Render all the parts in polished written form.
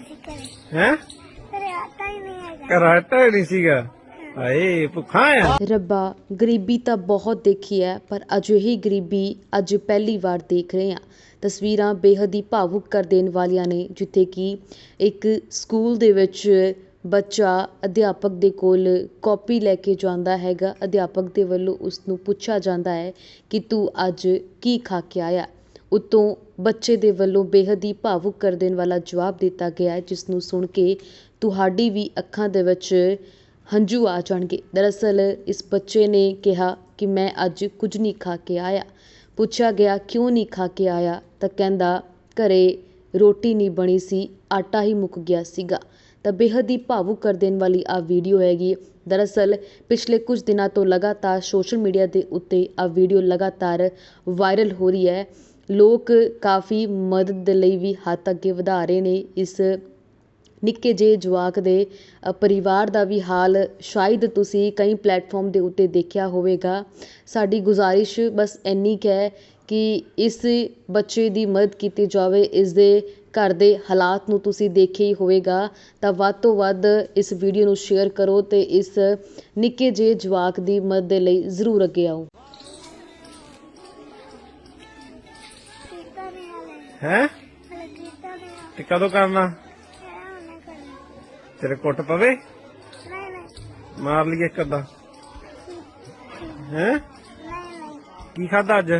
ਸੀ ਘਰੇ ਹੈ ਘਰੇ ਆਟਾ ਹੀ ਨਹੀਂ ਹੈਗਾ। ਕਰਾਟਾ ਹੀ ਨਹੀਂ ਸੀਗਾ। ਹਾਏ ਭੁੱਖਾ ਆ। ਰੱਬਾ, ਗਰੀਬੀ ਤਾਂ ਬਹੁਤ ਦੇਖੀ ਹੈ, ਪਰ ਅਜਿਹੀ ਗਰੀਬੀ ਅੱਜ ਪਹਿਲੀ ਵਾਰ ਦੇਖ ਰਹੇ ਹਾਂ। ਤਸਵੀਰਾਂ ਬੇਹੱਦ ਹੀ ਭਾਵੁਕ ਕਰ ਦੇਣ ਵਾਲੀਆਂ ਨੇ, ਜਿੱਥੇ ਕਿ ਇੱਕ ਸਕੂਲ ਦੇ ਵਿੱਚ ਬੱਚਾ ਅਧਿਆਪਕ ਦੇ ਕੋਲ ਕਾਪੀ ਲੈ ਕੇ ਜਾਂਦਾ ਹੈਗਾ। ਅਧਿਆਪਕ ਦੇ ਵੱਲੋਂ ਉਸ ਨੂੰ ਪੁੱਛਿਆ ਜਾਂਦਾ ਹੈ ਕਿ ਤੂੰ ਅੱਜ ਕੀ ਖਾ ਕੇ ਆਇਆ। ਉੱਤੋਂ ਬੱਚੇ ਦੇ ਵੱਲੋਂ ਬੇਹੱਦ ਹੀ ਭਾਵੁਕ ਕਰ ਦੇਣ ਵਾਲਾ ਜਵਾਬ ਦਿੱਤਾ ਗਿਆ ਹੈ, ਜਿਸ ਨੂੰ ਸੁਣ ਕੇ ਤੁਹਾਡੀ ਵੀ ਅੱਖਾਂ ਦੇ ਵਿੱਚ ਹੰਝੂ ਆ ਜਾਣਗੇ। ਦਰਅਸਲ ਇਸ ਬੱਚੇ ਨੇ ਕਿਹਾ ਕਿ ਮੈਂ ਅੱਜ ਕੁਝ ਨਹੀਂ ਖਾ ਕੇ ਆਇਆ। ਪੁੱਛਿਆ ਗਿਆ ਕਿਉਂ ਨਹੀਂ ਖਾ ਕੇ ਆਇਆ, ਤਾਂ ਕਹਿੰਦਾ ਘਰੇ ਰੋਟੀ ਨਹੀਂ ਬਣੀ ਸੀ, ਆਟਾ ਹੀ ਮੁੱਕ ਗਿਆ ਸੀਗਾ। ਤਾਂ ਬੇਹੱਦ ਹੀ ਭਾਵੁਕ ਕਰ ਦੇਣ ਵਾਲੀ ਆ ਵੀਡੀਓ ਹੈਗੀ। ਦਰਅਸਲ ਪਿਛਲੇ ਕੁਝ ਦਿਨਾਂ ਤੋਂ ਲਗਾਤਾਰ ਸੋਸ਼ਲ ਮੀਡੀਆ ਦੇ ਉੱਤੇ ਆ ਵੀਡੀਓ ਲਗਾਤਾਰ ਵਾਇਰਲ ਹੋ ਰਹੀ ਹੈ। ਲੋਕ ਕਾਫੀ ਮਦਦ ਦੇ ਲਈ ਵੀ ਹੱਥ ਅੱਗੇ ਵਧਾ ਰਹੇ ਨੇ। ਇਸ ਨਿੱਕੇ ਜਿਹੇ ਜਵਾਕ ਦੇ ਪਰਿਵਾਰ ਦਾ ਵੀ ਹਾਲ ਸ਼ਾਇਦ ਤੁਸੀਂ ਕਈ ਪਲੇਟਫਾਰਮ ਦੇ ਉੱਤੇ ਦੇਖਿਆ ਹੋਵੇਗਾ। ਸਾਡੀ ਗੁਜ਼ਾਰਿਸ਼ ਬਸ ਇੰਨੀ ਕੁ ਹੈ ਕਿ ਇਸ ਬੱਚੇ ਦੀ ਮਦਦ ਕੀਤੀ ਜਾਵੇ। ਇਸ ਦੇ ਘਰ ਦੇ ਹਾਲਾਤ ਨੂੰ ਤੁਸੀਂ ਦੇਖਿਆ ਹੀ ਹੋਵੇਗਾ, ਤਾਂ ਵੱਧ ਤੋਂ ਵੱਧ ਇਸ ਵੀਡੀਓ ਨੂੰ ਸ਼ੇਅਰ ਕਰੋ ਤੇ ਇਸ ਨਿੱਕੇ ਜਿਹੇ ਜਵਾਕ ਦੀ ਮਦਦ ਦੇ ਲਈ ਜ਼ਰੂਰ ਅੱਗੇ ਆਓ। ਕੀਤਾ ਨਹੀਂ ਹਲੇ ਹੈ ਹਲੇ ਕੀਤਾ ਨਹੀਂ ਆ। ਤੇ ਕਦੋਂ ਕਰਨਾ? ਉਹਨੇ ਕਰਨਾ। ਤੇਰੇ ਕੁੱਟ ਪਵੇ? ਨਹੀਂ ਨਹੀਂ ਮਾਰ ਲਈਏ ਇੱਕ ਅੱਧਾ। ਹੈ ਨਹੀਂ ਨਹੀਂ ਕੀ ਖਾਦਾ ਅੱਜ?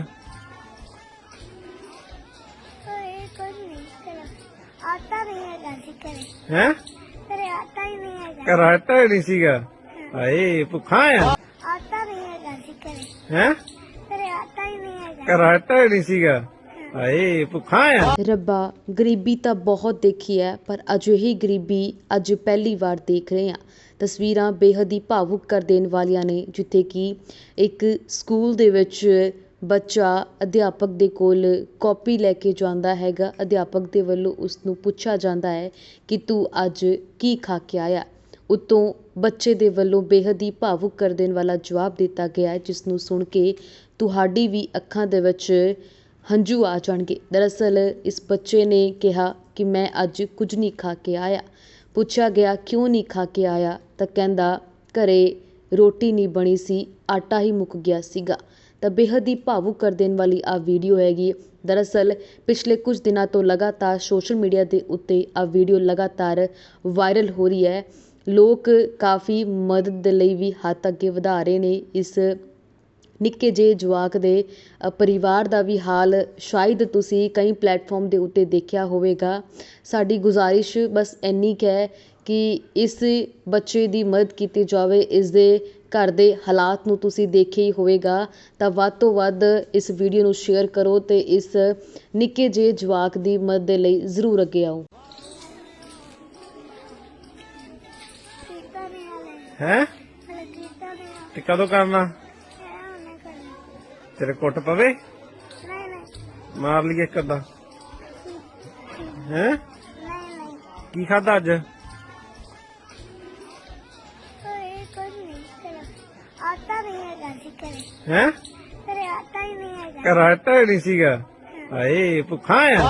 ਇਹ ਕੁਝ ਨਹੀਂ ਕਰਾ। ਆਟਾ ਨਹੀਂ ਹੈਗਾ ਸੀ ਘਰੇ ਹੈ ਘਰੇ ਆਟਾ ਹੀ ਨਹੀਂ ਹੈਗਾ। ਕਰਾਟਾ ਹੀ ਨਹੀਂ ਸੀਗਾ। ਹਾਏ ਭੁੱਖਾ ਆ। ਆਟਾ ਨਹੀਂ ਹੈਗਾ ਸੀ ਘਰੇ ਹੈ ਘਰੇ ਆਟਾ ਹੀ ਨਹੀਂ ਹੈਗਾ। ਕਰਾਟਾ ਹੀ ਨਹੀਂ ਸੀਗਾ। ਹਾਏ ਭੁੱਖਾ ਆ। ਰੱਬਾ, ਗਰੀਬੀ ਤਾਂ ਬਹੁਤ ਦੇਖੀ ਹੈ, ਪਰ ਅਜਿਹੀ ਗਰੀਬੀ ਅੱਜ ਪਹਿਲੀ ਵਾਰ ਦੇਖ ਰਹੇ ਹਾਂ। ਤਸਵੀਰਾਂ ਬੇਹੱਦ ਹੀ ਭਾਵੁਕ ਕਰ ਦੇਣ ਵਾਲੀਆਂ ਨੇ, ਜਿੱਥੇ ਕਿ ਇੱਕ ਸਕੂਲ ਦੇ ਵਿੱਚ ਬੱਚਾ ਅਧਿਆਪਕ ਦੇ ਕੋਲ ਕਾਪੀ ਲੈ ਕੇ ਜਾਂਦਾ ਹੈਗਾ। ਅਧਿਆਪਕ ਦੇ ਵੱਲੋਂ ਉਸ ਨੂੰ ਪੁੱਛਿਆ ਜਾਂਦਾ ਹੈ ਕਿ ਤੂੰ ਅੱਜ ਕੀ ਖਾ ਕੇ ਆਇਆ। ਉੱਤੋਂ ਬੱਚੇ ਦੇ ਵੱਲੋਂ ਬੇਹੱਦ ਹੀ ਭਾਵੁਕ ਕਰ ਦੇਣ ਵਾਲਾ ਜਵਾਬ ਦਿੱਤਾ ਗਿਆ ਹੈ, ਜਿਸ ਨੂੰ ਸੁਣ ਕੇ ਤੁਹਾਡੀ ਵੀ ਅੱਖਾਂ ਦੇ ਵਿੱਚ ਹੰਝੂ ਆ ਜਾਣਗੇ। ਦਰਅਸਲ ਇਸ ਬੱਚੇ ਨੇ ਕਿਹਾ ਕਿ ਮੈਂ ਅੱਜ ਕੁਝ ਨਹੀਂ ਖਾ ਕੇ ਆਇਆ। ਪੁੱਛਿਆ ਗਿਆ ਕਿਉਂ ਨਹੀਂ ਖਾ ਕੇ ਆਇਆ, ਤਾਂ ਕਹਿੰਦਾ ਘਰੇ ਰੋਟੀ ਨਹੀਂ ਬਣੀ ਸੀ, ਆਟਾ ਹੀ ਮੁੱਕ ਗਿਆ ਸੀਗਾ। ਤਾਂ ਬੇਹੱਦ ਹੀ ਭਾਵੁਕ ਕਰ ਦੇਣ ਵਾਲੀ ਆ ਵੀਡੀਓ ਹੈਗੀ। ਦਰਅਸਲ ਪਿਛਲੇ ਕੁਝ ਦਿਨਾਂ ਤੋਂ ਲਗਾਤਾਰ ਸੋਸ਼ਲ ਮੀਡੀਆ ਦੇ ਉੱਤੇ ਆ ਵੀਡੀਓ ਲਗਾਤਾਰ ਵਾਇਰਲ ਹੋ ਰਹੀ ਹੈ। ਲੋਕ ਕਾਫੀ ਮਦਦ ਦੇ ਲਈ ਵੀ ਹੱਥ ਅੱਗੇ ਵਧਾ ਰਹੇ ਨੇ। ਇਸ ਨਿੱਕੇ ਜਿਹੇ ਜਵਾਕ ਦੇ ਪਰਿਵਾਰ ਦਾ ਵੀ ਹਾਲ ਸ਼ਾਇਦ ਤੁਸੀਂ ਕਈ ਪਲੇਟਫਾਰਮ ਦੇ ਉੱਤੇ ਦੇਖਿਆ ਹੋਵੇਗਾ। ਸਾਡੀ ਗੁਜ਼ਾਰਿਸ਼ ਬਸ ਇੰਨੀ ਕੁ ਹੈ ਕਿ ਇਸ ਬੱਚੇ ਦੀ ਮਦਦ ਕੀਤੀ ਜਾਵੇ। ਇਸ ਦੇ ਘਰ ਦੇ ਹਾਲਾਤ ਨੂੰ ਤੁਸੀਂ ਦੇਖਿਆ ਹੀ ਹੋਵੇਗਾ, ਤਾਂ ਵੱਧ ਤੋਂ ਵੱਧ ਇਸ ਵੀਡੀਓ ਨੂੰ ਸ਼ੇਅਰ ਕਰੋ ਤੇ ਇਸ ਨਿੱਕੇ ਜਿਹੇ ਜਵਾਕ ਦੀ ਮਦਦ ਦੇ ਲਈ ਜ਼ਰੂਰ ਅੱਗੇ ਆਓ। ਕੀਤਾ ਨਹੀਂ ਹਲੇ ਹੈ ਹਲੇ ਕੀਤਾ ਨਹੀਂ ਆ। ਤੇ ਕਦੋਂ ਕਰਨਾ? ਉਹਨੇ ਕਰਨਾ। ਤੇਰੇ ਕੁੱਟ ਪਵੇ? ਨਹੀਂ ਨਹੀਂ ਮਾਰ ਲਈਏ ਇੱਕ ਅੱਧਾ। ਹੈ ਨਹੀਂ ਨਹੀਂ ਕੀ ਖਾਦਾ ਅੱਜ? ਇਹ ਕੁਝ ਨਹੀਂ ਕਰਾ। ਆਟਾ ਨਹੀਂ ਹੈਗਾ ਸੀ ਘਰੇ ਹੈ ਘਰੇ ਆਟਾ ਹੀ ਨਹੀਂ ਹੈਗਾ। ਕਰਾਟਾ ਹੀ ਨਹੀਂ ਸੀਗਾ। ਹਾਏ ਭੁੱਖਾ ਆ।